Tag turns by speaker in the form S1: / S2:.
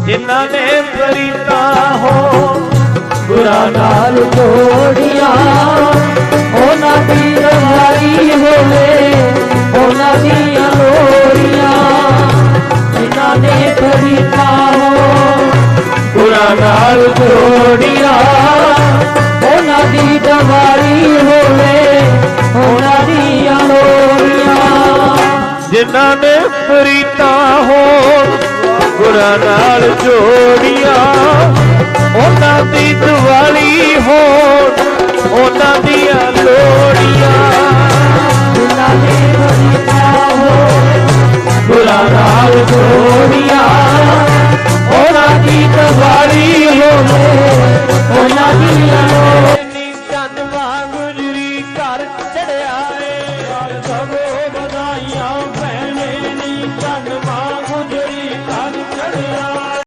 S1: जिन्हां ने प्रीता हो
S2: गुरा नाल जोड़िया उन्हां दी रवाई होवे उन्हां दियां लोड़ियां जिन्हां ने प्रीता हो
S1: गुरा नाल जोड़िया
S2: उन्हां दी रवाई होवे उन्हां दियां लोड़ियां
S1: जिन्हां ने प्रीता हो गुरा नाल जोड़िया उन्हां दी दिवाली हो उन्हां दियां लोड़ियां
S2: जिन्हां ने प्रीता हो
S1: गुरा नाल जोड़िया